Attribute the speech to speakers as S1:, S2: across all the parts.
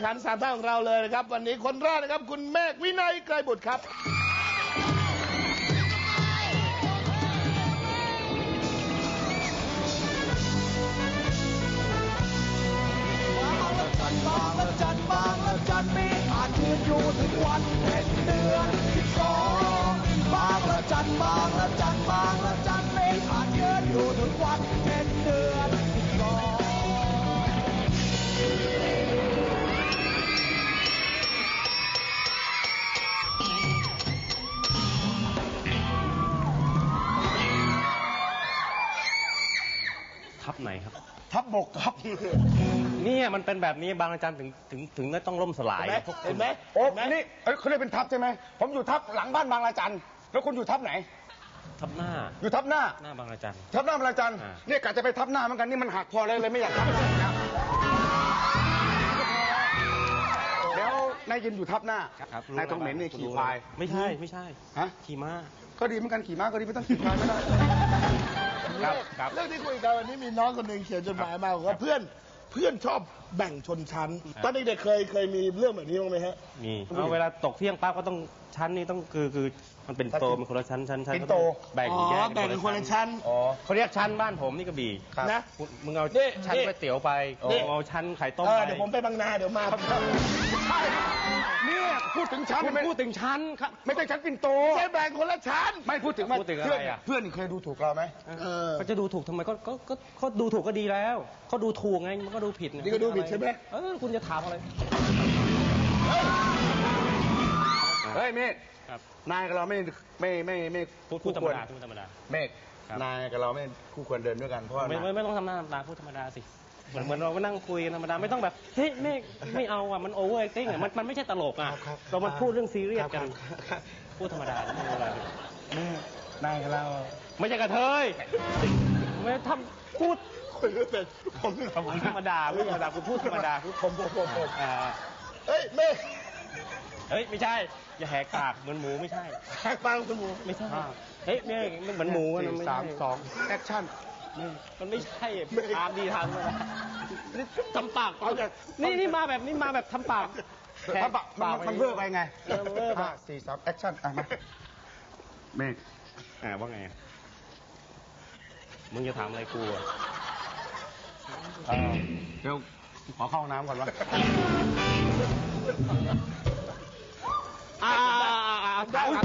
S1: ขัน3 ท่านของเราเลยนะครับวันนี้คนแรกนะครับคุณเมฆวินัยไกรบุตรครับ
S2: บางละจันมีอาจยืนอยู่ถึงวันเพ็ญเดือน12บางละจันมีอาจยืนอยู่ถึงวันเพ็ญเดือน
S3: ทับไหนครับ
S1: ทับบกครับ
S3: นี่มันเป็นแบบนี้บางอาจารย์ถึงต้องล่มสลาย
S1: เห็นไหม
S4: โอ้นี่เขาเรียกเป็นทับใช่ไหมผมอยู่ทับหลังบ้านบางละจันแล้วคุณอยู่ทับไหน
S3: ทับหน้า
S4: อยู่ทับหน้า
S3: บางละจัน
S4: ทับหน้าบางละจันเนี่ยกะจะไปทับหน้าเหมือนกันนี่มันหักพอเลยไม่อยากทับนะแล้วนายยินอยู่ทับหน้านายต้องเหม็นนี่ขี่ควาย
S3: ไม่ใช่
S4: ฮะ
S3: ขี่ม้า
S4: ก็ดีเหมือนกันขี่ม้าก็ดีไม่ต้องขี่ควายไม่ได้
S1: ครับเรื่องที่คุยกันวันนี้มีน้องคนหนึ่งเขียนจดหมายมาบอกว่าเพื่อนชอบแบ่งชนชั้นตอนเด็กๆเคยมีเรื่องแบบนี้บ้างไหมฮะ
S3: มีเวลาตกเที่ยงป้าก็ต้องชั้นนี่ต้องคือมันเป็นโตมันคนละชั้น
S4: เป็นโต
S3: แบ่งแยก
S1: แบ่งคนละชั้น
S3: เขาเรียกชั้นบ้านผมนี่กระบี่
S1: นะ
S3: มึงเอาชั้นก๋วยเตี๋ยวไปเอาชั้นไข่ต้มไป
S1: เดี๋ยวผมไปบางนาเดี๋ยวมา
S4: เนี่ยพูดถึงชั้น
S3: ครับ
S4: ไม่ใช่ชั้นปิ่นโต
S1: แค่แบ่งคนละชั้น
S4: ไม่พูดถึง
S3: อะไรอ่ะ
S4: เพื่อนเคยดูถูกเราไหม
S3: เขาจะดูถูกทำไมเขาดูถูกก็ดีแล้วเขาดูถูกไงมันก็ดูผิด
S1: นี่ก็ดูผิดใช่ไหม
S3: คุณจะถามอะไร
S4: เฮ้ยเมฆนายกับเราไม่
S3: พูดธรรมดา
S4: เมฆนายกับเราไม่คู่ควรเดินด้วยกันเพราะ
S3: ไม่ต้องทำหน้าธรรมดาพูดธรรมดาสิเหมือนเราก็นั่งคุยกันธรรมดาไม่ต้องแบบเฮ้ยไม่เอาอ่ะมันโอเวอร์แอคติ้งอ่ะมันไม่ใช่ตลกอ่ะเรามาพูดเรื่องซีเรียสกันพูดธรรมดาไม่เป็นไร
S4: นายกับเรา
S3: ไม่ใช่กระเทยไม่ทำพูด
S1: คุยไม่เป็นผม
S3: ธรรมดาคุณพูดธรรมดา
S1: ผมเฮ้ยเมฆ
S3: ไม่ใช่อย่าแหกปากเหมือนหมูไม่ใช่
S1: แหกปากเหมือนหมู
S3: ไม่ใช่เฮ้ยนี่มันเหมือนหมู
S4: 3 2แอคชั่น
S3: มันไม่ใช่ตามดีทำเลยทำปากนี่มาแบบทำปาก
S4: มันเวอร์ไปไง4 3แอคชั่นมาเมฆ
S3: ว่าไงมึงจะถามอะไรกู
S4: เดี๋ยวขอเข้าน้ำก่อนวะ
S1: ได้ครับ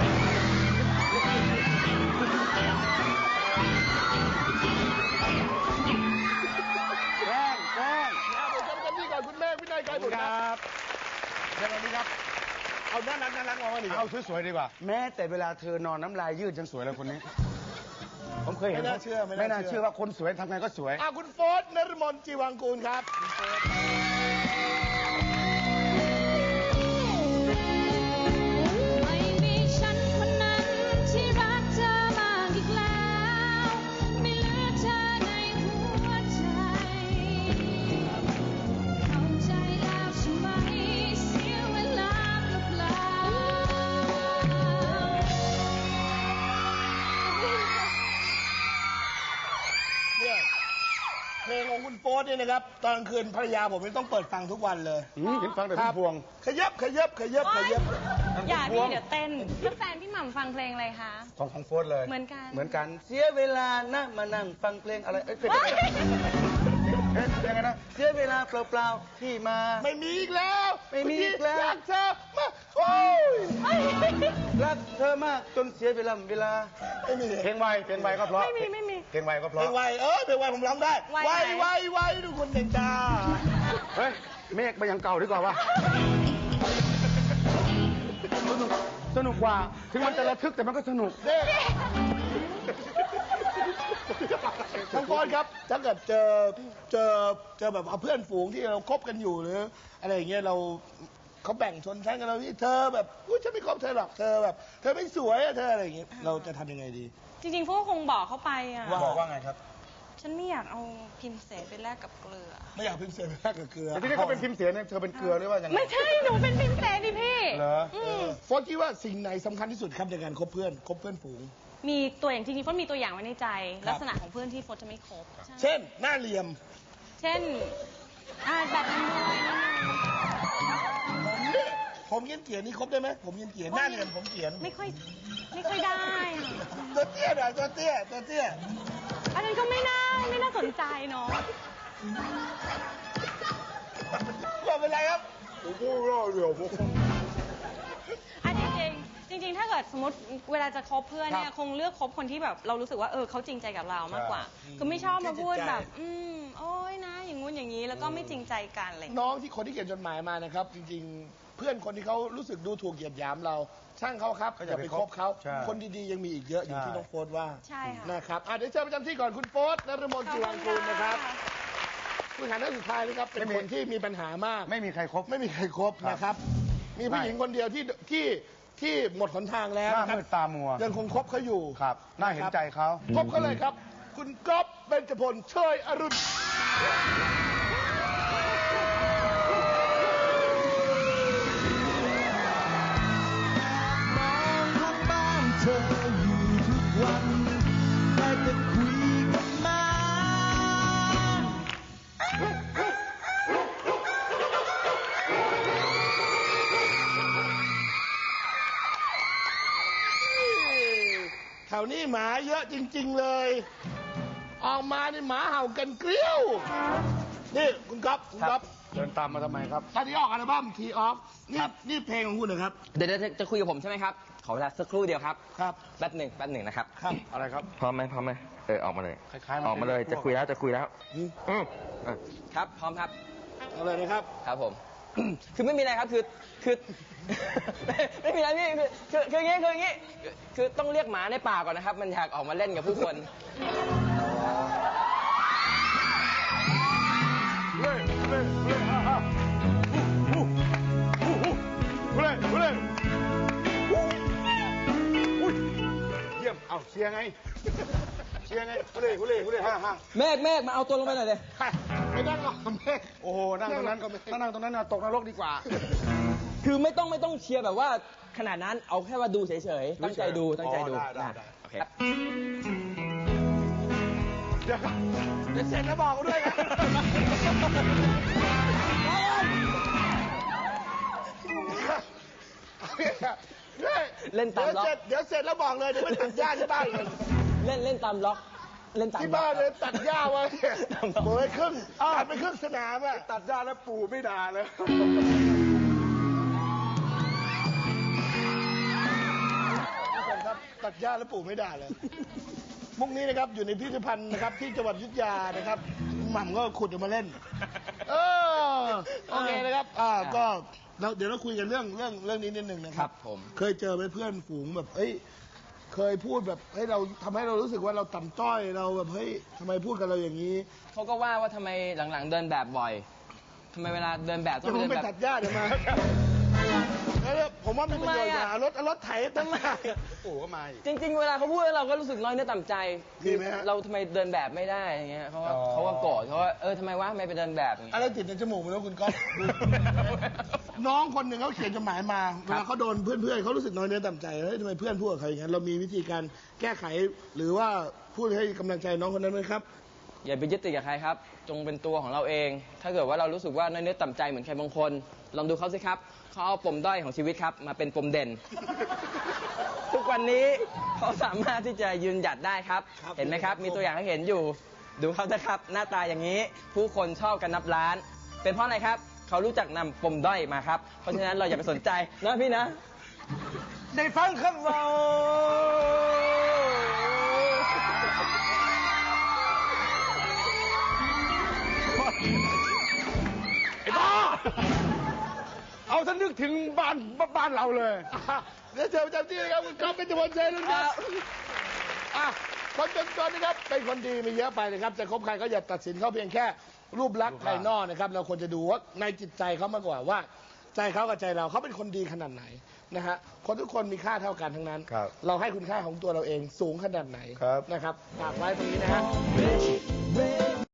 S4: แกล้ง
S1: เดี๋ยวจำที่ก่อนคุณแม่วินัยไกรบุตรครับเดี๋ยวนี้ครับเอาน่ารักมองมาดิ
S4: เอาสวยๆดีกว่าแม้แต่เวลาเธอนอนน้ำลายยืดยังสวยเลยคนนี้ผมเคยเห็นไม่น่าเชื่อว่าคนสวยทำไงก็สวย
S1: คุณโฟร์ นฤมลจีวังกูลครับเพลงของคุณโฟร์เนี่ยนะครับตอนกลางคืนภรรยาผมต้องเปิดฟังทุกวันเลย
S4: เห็นฟังแต่พวง
S1: ขยับ
S5: อย่าพี่เดี๋ยวเต้นแล้วแฟนพี่หม่ำฟังเพลงอะไรคะ
S4: ของโฟร์เลย
S5: เหมือน
S4: กันเสียเวลานะมานั่งฟังเพลงอะไรเป็นยังไงนะเสียเวลาเปล่าๆที่มา
S1: ไม่มีอีกแล้วรักเธอมา
S4: รักเธอมากจนเสียเวลา
S1: ไม่มี
S4: เพลงไวก็เพราะ
S5: ไม่มี
S4: เพลงไวก็เพราะ
S1: เพลงไวผมร้องได้ไวทุกคนเด็กจ้า
S4: เฮ้ยเมฆไปยังเก่าดีกว่าวะสนุกกว่าถึงมันจะระทึกแต่มันก็สนุก
S1: ทั้งคนครับถ้าเกิดเจอแบบเอาเพื่อนฝูงที่เราคบกันอยู่หรืออะไรอย่างเงี้ยเขาแบ่งชนชั้นกันเราที่เธอแบบฉันไม่คบเธอหรอกเธอแบบเธอไม่สวยเธออะไรอย่างเงี้ยเราจะทำยังไงดี
S5: จริงๆพวกคงบอกเขาไปอ่ะ
S4: บอกว่าไงครับ
S5: ฉันไม่อยากเอาพิมพ์เสนไปแลกกับเกลือ
S1: ไม่อยากพิมพ์เสนไปแลกกับเกลือ
S4: แต่ที่นี่เขาเป็นพิมพ์เสนเนี่ยเธอเป็นเกลือหรือว่ายังไง
S5: ไม่ใช่หนูเป็นพิมพ์เสนดิพี่
S4: เหรอ
S1: โฟร์คิดว่าสิ่งไหนสำคัญที่สุดครับในการคบเพื่อนฝูง
S5: มีตัวอย่างจริงๆโฟร์มีตัวอย่างไว้ในใจลักษณะของเพื่อนที่โฟร์จะไม่คบ
S1: เช่นหน้าเหลี่ยม
S5: เช่นแบบนี้ด้วย
S1: ผมเขียนนี่ครบได้ไหมผมเขียนหน้าเงินผมเขียน
S5: ไม่ค่อยได้อะ
S1: ตัวเตี้ยหน่อยตัวเตี้ย
S5: อันนั้นก็ไม่น่าสนใจเนาะ
S1: ไม่เป็นไรครับ
S5: อันจริงๆ ถ้าเกิดสมมติเวลาจะคบเพื่อนเนี่ยคงเลือกคบคนที่แบบเรารู้สึกว่าเขาจริงใจกับเรามากกว่า คือไม่ชอบมาพูดแบบโอ้ยนะอย่างงู้นอย่างนี้แล้วก็ไม่จริงใจกันอะไรอย่างเงี้ย
S1: น้องที่คนที่เขียนจดหมายมานะครับ จริงๆ เพื่อนคนที่เขารู้สึกดูถูกเหยียดหยามเรา ช่างเขาครับอย่าไปคบเขา
S4: ใช่
S1: คนดีๆยังมีอีกเยอะอย่างที่น้องโฟร์ว่า
S5: ใช่ค่ะ
S1: นะครับเดี๋ยวเชิญประจำที่ก่อนคุณโฟร์นฤมลจีรังกูลนะครับผู้หาหน้าสุดท้ายนะครับเป็นคนที่มีปัญหามาก
S4: ไม่มีใครครบ
S1: ไม่มีใครครบนะครับ มีผู้หญิงคนเดียวที่หมดหนทางแล้ว
S4: หน้า
S1: นะครับ
S4: มืดตามัว
S1: ยังคงคบเขาอยู่
S4: ครับ น่าเห็นใจเขา
S1: คบเขาเลยครับ คุณก๊อฟเบญจพลเชยอรุณ
S2: มองทางบ้านเธออยู่ทุกวันได้แต่คุยกับหมา
S1: แถวนี้หมาเยอะจริง ๆเลย ออกมานี่หมาเห่ากันเกลี้ยว นี่คุณก๊อฟ
S4: เดินตามมาทำไมครับ
S1: ตอนนี้ออกอัลบั้มทีออฟนี่เพลงของคุณนะครับ
S6: เดี๋ยวจะคุยกับผมใช่ไหมครับ ขอเวลาสักครู่เดียวครับ
S1: ครับ
S6: แป๊บหนึ่งนะครับ
S1: ครับ
S4: อะไรครับ
S6: พร้อมไหมออกมาเลย
S4: คล้ายๆ
S6: ออกมาเลย จะคุยแล้ว ครับ พร้อมครับ
S1: เอาเลยนะครับ
S6: ครับผม คือไม่มีอะไรครับ คือ ไม่มีอะไรพี่คืออย่างงี้ คือต้องเรียกหมาในป่าก่อนนะครับ มันอยากออกมาเล่นกับผู้คน
S4: เยี่ยม เอาเชียร์ไง เชียร์ไงฮุเล่ฮ่า
S6: เมฆมาเอาตัวลงไปหน่อยเลย
S1: ไม่นั่งหรอกแม่
S4: โอ้โห นั่งตรงนั้นถ้านั่งตรงนั้นน่ะตกนรกดีกว่า
S6: คือไม่ต้องเชียร์แบบว่าขนาดนั้น เอาแค่ว่าดูเฉยๆ ตั้งใจดู
S4: ได้
S6: โอเคครับ
S1: เดี๋ยวเสร็จแล้วบอกกูด้วยนะ
S6: เล่นตามล็อก
S1: เดี๋ยวเสร็จแล้วบอกเลยเดี๋ยวไปตัดหญ้าที่บ้านกัน
S6: เล่นตามล็อก เล่นตาม
S1: ที่
S6: ล็อก
S1: บ้านเลยตัดหญ้าไว้โอ้ยครึ่งตัดไปครึ่งสนามอะ
S4: ตัดหญ้าแล้วปู่ไม่ด่าเลย
S1: ทุกคนครับตัดหญ้าแล้วปู่ไม่ด่าเลย มุกนี้นะครับอยู่ในพิพิธภัณฑ์นะครับที่จังหวัดอยุธยานะครับหม่ำก็ขุดออกมาเล่น โอเคนะครับก็เดี๋ยวเราคุยกันเรื่องนี้นิดนึงนะค
S6: ครั
S1: รับบ
S6: ผม
S1: เคยเจอไหมเพื่อนฝูงแบบเคยพูดแบบให้เราทำให้เรารู้สึกว่าเราต่ำต้อยเราแบบทำไมพูดกับเราอย่างนี้
S6: เขาก็ว่าทำไมหลังๆเดินแบบบ่อย ทำไมเวลาเดินแบบต้
S1: จะ
S6: อง
S1: ผม
S6: เดิน
S1: ไป
S6: แบบ
S1: ตัดหญ้าเดี๋ยวมาแล้วผมว่ามีประโยชน์กว่ารถไถตั้งหาก
S4: ปู่ก็มาอีก
S6: จริง ๆ เวลาเขาพูดเราก็รู้สึกน้อยเนื้อต่ำใจ
S1: มีไหมฮะ
S6: เราทำไมเดินแบบไม่ได้อย่างเงี้ยเขาก็โกรธเขาว่าทำไมวะทำไมไปเดินแบบอย่างเงี้ย
S1: อะไรติดในจมูกไม่รู้คุณก๊อฟ น้องคนหนึ่งเขาเขียนจดหมายมาเวลาเขาโดนเพื่อนๆเขารู้สึกน้อยเนื้อต่ำใจเฮ้ยทำไมเพื่อนพูดกับเขาอย่างนั้นเรามีวิธีการแก้ไขหรือว่าพูดให้กำลังใจน้องคนนั้นไหมครับ
S6: อย่าไปยึดติดกับใครครับ จงเป็นตัวของเราเอง ถ้าเกิดว่าเรารู้สึกว่าน้อยเนื้อต่ำใจเหมือนใครบางคน ลองดูเขาสิครับ เขาเอาปมด้อยของชีวิตครับ มาเป็นปมเด่น ทุกวันนี้เขาสามารถที่จะยืนหยัดได้ครับ เห็นไหมครับ มีตัวอย่างให้เห็นอยู่ ดูเขานะครับ หน้าตาอย่างนี้ ผู้คนชอบกันนับล้าน เป็นเพราะอะไรครับ เขารู้จักนำปมด้อยมาครับ เพราะฉะนั้นเราอย่าไปสนใจนะพี่นะ
S4: ได้ฟังคำเราไอ้บ้า เอาฉันนึกถึงบ้านเราเลย
S1: เดี๋ยวเชิญประจำที่นะครับคุณก๊อฟเป็นจพลชัยรุ่นครับคนจนๆนะครับเป็นคนดีมีเยอะไปนะครับจะคบใครก็อย่าตัดสินเขาเพียงแค่รูปลักษณ์ภายนอกนะครับเราควรจะดูว่าในจิตใจเขามากกว่าว่า ใจเขากับใจเราเขาเป็นคนดีขนาดไหนนะฮะคนทุกคนมีค่าเท่ากันทั้งนั้น
S4: ครับ
S1: เราให้คุณค่าของตัวเราเองสูงขนาดไหน
S4: ครับ
S1: นะครับฝากไว้ตรงนี้นะฮะ
S2: เว